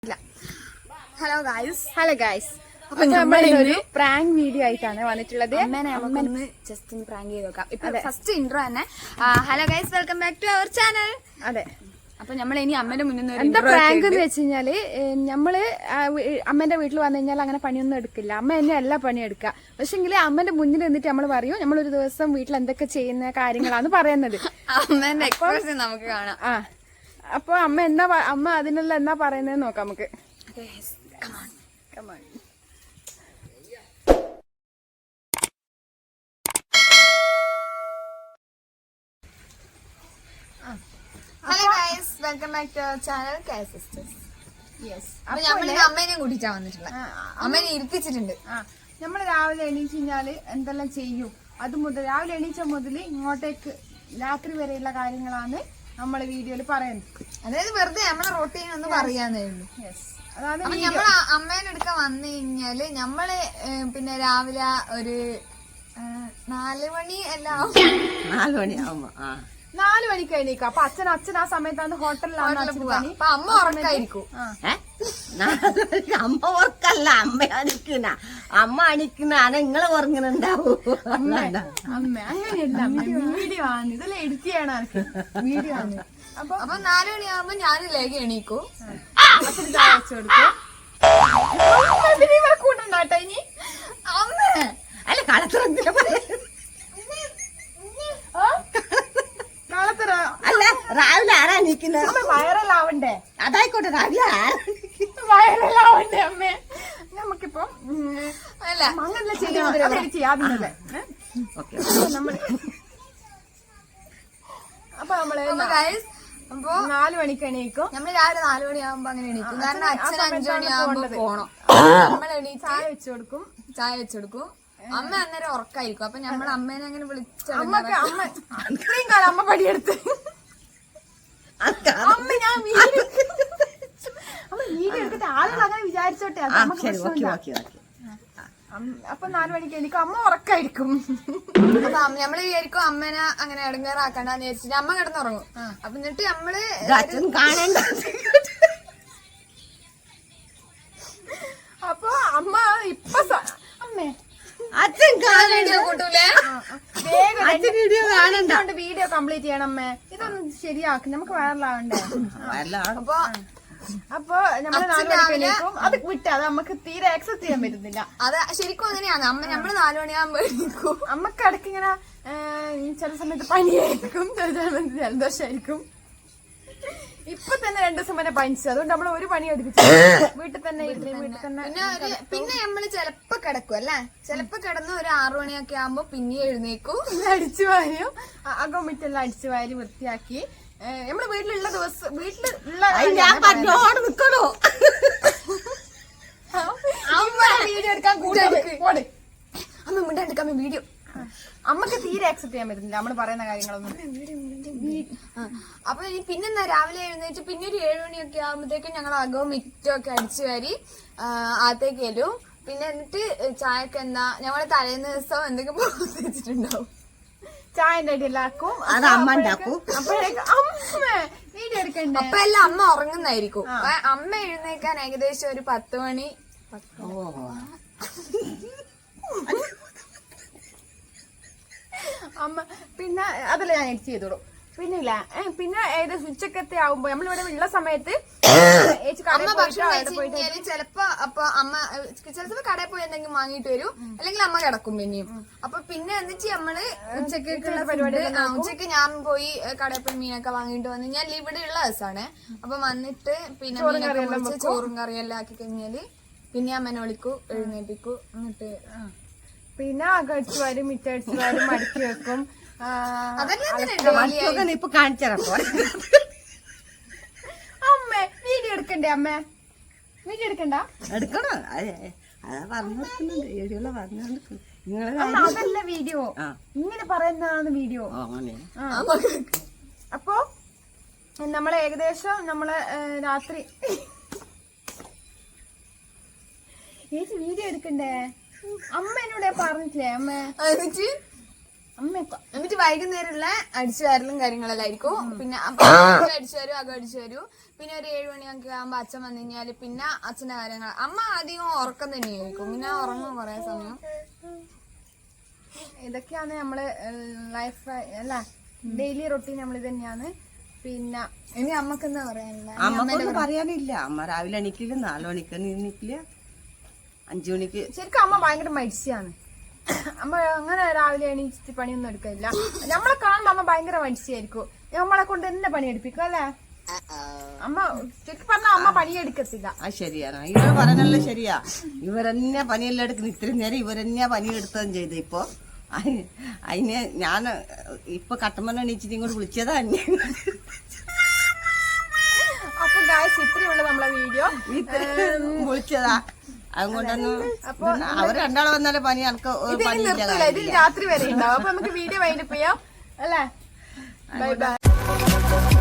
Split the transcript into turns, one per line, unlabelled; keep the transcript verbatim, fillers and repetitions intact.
Hello guys
hello guys അപ്പൊ നമ്മളൊരു prank video ആയിട്ടാണ് വന്നിട്ടുള്ളത്.
അമ്മനെ ജസ്റ്റ് ഒന്ന് പ്രാങ്ക് ചെയ്ത് നോക്കാം. ഇപ്പൊ ഫസ്റ്റ് ഇൻട്രോ തന്നെ. Hello guys, welcome back to our channel.
അതെ,
അപ്പൊ നമ്മൾ ഇനി അമ്മന്റെ മുന്നിൽ
എന്താ പ്രാങ്ക് എന്ന് വെച്ച് കഴിഞ്ഞാല്, നമ്മള് അമ്മന്റെ വീട്ടിൽ വന്നു കഴിഞ്ഞാൽ അങ്ങനെ പണിയൊന്നും എടുക്കില്ല. അമ്മ തന്നെ എല്ലാ പണിയും എടുക്കുക. പക്ഷെങ്കിൽ അമ്മന്റെ മുന്നിൽ നിന്നിട്ട് നമ്മൾ പറയും നമ്മളൊരു ദിവസം വീട്ടിൽ എന്തൊക്കെ ചെയ്യുന്ന കാര്യങ്ങളാണ് പറയുന്നത്.
അമ്മന്റെ എക്സ്പ്രഷൻ നമുക്ക് കാണാം.
ആ അപ്പൊ അമ്മ എന്നാ അമ്മ അതിനെല്ലാം എന്നാ പറയുന്നത് നോക്കാം നമുക്ക്.
Hello guys, welcome back to our channel K sisters.
Yes,
അപ്പൊ നമ്മളിനി അമ്മേനെ കൂട്ടിട്ടാ വന്നിട്ടുള്ളത്. അമ്മേനെ ഇരുത്തിച്ചിട്ടുണ്ട്.
നമ്മള് രാവിലെ എണീച്ച് കഴിഞ്ഞാല് എന്തെല്ലാം ചെയ്യും, അത് മുതൽ രാവിലെ എണീച്ച മുതൽ ഇങ്ങോട്ടേക്ക് രാത്രി വരെയുള്ള കാര്യങ്ങളാണ് നമ്മള് വീഡിയോയിൽ പറയുന്നത്.
അതായത് വെറുതെ നമ്മളെ റൊട്ടീൻ ഒന്ന് പറയാന്നേ ഉള്ളൂ.
യെസ്, അതാണ്
നമ്മൾ അമ്മേനെ എടുക്കാൻ വന്നു കഴിഞ്ഞാല് നമ്മള് പിന്നെ രാവിലെ ഒരു നാല് മണി എല്ലാം
നാല് മണിയാവുമ്പോ
നാല് മണിക്ക് എണീക്കാം. അപ്പൊ അച്ഛൻ അച്ഛൻ ആ സമയത്താണ് ഹോട്ടലിലാണ്
പോവാ. അപ്പൊ അമ്മ ഉറക്കായിരിക്കും.
അമ്മ ഓർക്കല്ല, അമ്മ അണിക്കുന്ന അമ്മ അണിക്കുന്ന നിങ്ങളെ ഉറങ്ങുന്നുണ്ടാവൂ.
അമ്മ അങ്ങനെയല്ല, വീഡിയോ ആണ്, ഇതെല്ലാം എഡിറ്റ് ചെയ്യണം എനിക്ക്. വീഡിയോ ആണ്. അപ്പൊ
അപ്പൊ നാല് മണിയാവുമ്പോ ഞാനിലേക്ക് എണീക്കും.
അച്ഛന് ചായ വെച്ചു കൊടുക്കും. കൂട്ടുണ്ടാട്ടോ ഇനി
അമ്മ
അല്ല കളത്തിറങ്ങില്ല
കളത്തറ
അല്ല രാവിലെ ആരാ നിക്കുന്നത്?
വൈറലാവണ്ടേ?
അതായിക്കോട്ടെ, രാവിലെ ആരാ
വൈറലാവണ്ടേ അമ്മേ? നമുക്കിപ്പം
അല്ല
അങ്ങനെ ചെയ്യാതില്ലേ. നമ്മള് അപ്പൊ നമ്മള്
അപ്പൊ
നാല് മണിക്ക് എണീക്കും.
നമ്മള് രാവിലെ നാല് മണിയാവുമ്പോ അങ്ങനെ എണീക്കും. കാരണം അച്ഛൻ അഞ്ചു മണിയാവുമ്പോ പോണം. നമ്മൾ എണീറ്റ്
ചായ വെച്ചു കൊടുക്കും.
ചായ വെച്ചെടുക്കും. അമ്മ അന്നേരം ഉറക്കായിരിക്കും. അപ്പൊ നമ്മൾ അമ്മേനെ അങ്ങനെ വിളിച്ചു.
അമ്മക്ക് അമ്മ ഇത്രയും കാലം അമ്മ പണിയെടുത്ത് അമ്മ ഞാൻ വീഡിയോ അമ്മ വീഡിയോ എടുത്തിട്ട് ആളുകൾ അങ്ങനെ വിചാരിച്ചോട്ടെ. അത് നമുക്ക് പ്രശ്നമില്ല. അപ്പൊ നാലു മണിക്ക് എനിക്ക് അമ്മ ഉറക്കായിരിക്കും.
അപ്പൊ നമ്മള് വിചാരിക്കും അമ്മേനെ അങ്ങനെ ഇടങ്ങേറാക്കണ്ടെന്ന് വിചാരിച്ചിട്ട് അമ്മ കിടന്നുറങ്ങും. അപ്പൊ എന്നിട്ട് നമ്മള്
കാണണ്ട.
അപ്പൊ അമ്മ ഇപ്പൊ അമ്മേ
അച്ഛൻ
വീഡിയോ കൂട്ടൂലേ?
വേഗം വീഡിയോ കാണണ്ട. വീഡിയോ കംപ്ലീറ്റ് ചെയ്യണം അമ്മേ. ഇതൊന്നും ശരിയാക്കി നമുക്ക് വൈറലാവണ്ടേ.
അപ്പൊ
അപ്പൊ നമ്മള് നാല് മണിക്ക് എണീക്കും. അത് വിട്ട് അത് നമുക്ക് തീരെ ആക്സെപ്റ്റ് ചെയ്യാൻ പറ്റുന്നില്ല.
അത് ശരിക്കും അങ്ങനെയാണ്. അമ്മ നമ്മള് നാലു മണിയാകുമ്പോ എണീക്കും.
അമ്മക്ക് ഇടയ്ക്ക് ഇങ്ങനെ ചില സമയത്ത് പനിയായിരിക്കും, ചില സമയത്ത് ജലദോഷമായിരിക്കും. ഇപ്പൊ തന്നെ രണ്ടു ദിവസം വരെ പനിച്ചു. അതുകൊണ്ട് നമ്മൾ ഒരു പണി എടുപ്പിച്ചു. വീട്ടിൽ തന്നെ ഇരുന്ന് വീട്ടിൽ തന്നെ
പിന്നെ ഒരു പിന്നെ നമ്മള് ചെലപ്പോ കിടക്കും അല്ലെ. ചെലപ്പോ കിടന്ന് ഒരു ആറു മണിയൊക്കെ ആകുമ്പോ പിന്നെ എഴുന്നേക്കും.
അടിച്ചു വാരും, അകം മിറ്റെല്ലാം അടിച്ചു വാരി വൃത്തിയാക്കി നമ്മള് വീട്ടിലുള്ള ദിവസം വീട്ടിലുള്ള
നിക്കണോ
വീഡിയോ എടുക്കാൻ കൂടെ
അമ്മ മിണ്ടാണ്ടിരിക്കാൻ വീഡിയോ
അമ്മക്ക് തീരെ ആക്സെപ്റ്റ് ചെയ്യാൻ പറ്റുന്നില്ല നമ്മള് പറയുന്ന കാര്യങ്ങളൊന്നും.
അപ്പൊ ഇനി പിന്നെന്താ രാവിലെ എഴുന്നേറ്റ് പിന്നെ ഒരു ഏഴുമണിയൊക്കെ ആകുമ്പോഴത്തേക്കും ഞങ്ങൾ അകവും മിറ്റവും ഒക്കെ അടിച്ചു വാരി അകത്തേക്ക് വരും. പിന്നെ എന്നിട്ട് ചായക്ക് എന്താ ഞങ്ങള് തലേന്ന് ദിവസം എന്തെങ്കിലും വെച്ചിട്ടുണ്ടാവും.
ചായന്റെ അടിയെല്ലാക്കും
അത് അമ്മ ഉണ്ടാക്കും.
അപ്പോഴേക്കും അമ്മ വീഡിയോ എടുക്കണ്ടേ.
അപ്പൊ എല്ലാം അമ്മ ഉറങ്ങുന്നായിരിക്കും. അമ്മ എഴുന്നേക്കാൻ ഏകദേശം ഒരു പത്ത് മണി.
അമ്മ പിന്നെ അതല്ല ഞാൻ എഡിറ്റ് ചെയ്തോളൂ. പിന്നെ ഇല്ല പിന്നെ ഏകദേശം ഉച്ചക്കത്തെ ആവുമ്പോ നമ്മളിവിടെ ഉള്ള സമയത്ത്
അമ്മ ഭക്ഷണം കഴിച്ചു കഴിഞ്ഞാല് ചെലപ്പോ അപ്പൊ അമ്മ ചിലപ്പോ കടയിൽ പോയി എന്തെങ്കിലും വാങ്ങിട്ട് വരും, അല്ലെങ്കിൽ അമ്മ കിടക്കും പിന്നെയും. അപ്പൊ പിന്നെ എന്നിട്ട് നമ്മള് ഉച്ചക്കുള്ള പരിപാടി ഉച്ചക്ക് ഞാൻ പോയി കടയിൽ പോയി മീനൊക്കെ വാങ്ങിട്ട് വന്നു കഴിഞ്ഞാൽ ഇവിടെ ഉള്ള ദിവസമാണ്. അപ്പൊ വന്നിട്ട് പിന്നെ മീനൊക്കെ മുറിച്ച് ചോറും കറിയെല്ലാം ആക്കി കഴിഞ്ഞാല് പിന്നെ അമ്മനെ വിളിക്കൂ, എഴുന്നേപ്പിക്കൂ. എന്നിട്ട്
പിന്നെ അകടിച്ചു വാരും മിറ്റടിച്ചു വാരും മടക്കി വെക്കും.
ഇപ്പൊ കാണിച്ചപ്പോ
അമ്മ വീഡിയോ എടുക്കണ്ടേ? അമ്മ വീഡിയോ എടുക്കണ്ട?
എടുക്കണോ? അതാ പറഞ്ഞു വീഡിയോയില് പറഞ്ഞു.
അതല്ല വീഡിയോ, ഇങ്ങനെ പറയുന്നതാണ് വീഡിയോ. അപ്പൊ നമ്മള് ഏകദേശം നമ്മള് രാത്രി ഏത് വീഡിയോ എടുക്കണ്ടേ? അമ്മ എന്നോട് പറഞ്ഞിട്ടില്ലേ? അമ്മ അമ്മയൊക്കെ
എന്നിട്ട് വൈകുന്നേരമുള്ള അടിച്ചു വാരലും കാര്യങ്ങളെല്ലാം ആയിരിക്കും. പിന്നെ അപ്പൊ അടിച്ചു വരും അകം അടിച്ചു വരും. പിന്നെ ഒരു ഏഴു മണിയൊക്കെ ആകുമ്പോ അച്ഛൻ വന്നു കഴിഞ്ഞാല് പിന്നെ അച്ഛന്റെ കാര്യങ്ങൾ. അമ്മ അധികം ഉറക്കം തന്നെയായിരിക്കും. പിന്നെ ഉറങ്ങും കുറെ സമയം.
ഇതൊക്കെയാണ് നമ്മള് ലൈഫ് അല്ല ഡെയിലി റൊട്ടീൻ നമ്മൾ ഇത് തന്നെയാണ്. പിന്നെ
ഇനി അമ്മക്ക് എന്താ പറയാനുള്ള?
അമ്മക്കൊന്നും പറയാനില്ല. അമ്മ രാവിലെ എണീക്കില്ല, നാലു മണിക്ക് എണീക്കില്ല, അഞ്ചു മണിക്ക്.
ശരിക്കും അമ്മ ഭയങ്കര മടിച്ചാണ്. അമ്മ അങ്ങനെ രാവിലെ എണീച്ചിട്ട് പണിയൊന്നും എടുക്കില്ല. നമ്മളെ കാണുമ്പോ അമ്മ ഭയങ്കര മടിച്ചായിരിക്കും. നമ്മളെ കൊണ്ട് തന്നെ പണിയെടുപ്പിക്കും അല്ലേ അമ്മ? ശരിക്കും പറഞ്ഞാൽ അമ്മ പണിയെടുക്കത്തില്ല.
ആ ശരിയാണ്, ഇവർ പറഞ്ഞല്ലോ ശരിയാ. ഇവരെന്നെ പണിയെല്ലാം എടുക്കുന്നു. ഇത്രയും നേരം ഇവരെന്നെ പണിയെടുത്തതും ചെയ്തു. ഇപ്പൊ അതിന് ഞാൻ ഇപ്പൊ കട്ടമ്മ എണീച്ചിട്ട് ഇങ്ങോട്ട് വിളിച്ചതാ.
അപ്പൊ ഗായ്സ് ഇത്രയുള്ള നമ്മളെ വീഡിയോ
വിളിച്ചതാ. അതുകൊണ്ടൊന്നും അവർ രണ്ടാളെ വന്നാലേ പണി എനിക്ക്
നിർത്തില്ല. ഇതിൽ രാത്രി വരെ ഉണ്ടാവും. അപ്പൊ നമുക്ക് വീഡിയോ വൈൻഡപ്പ് ചെയ്യാം അല്ലേ? Bye by.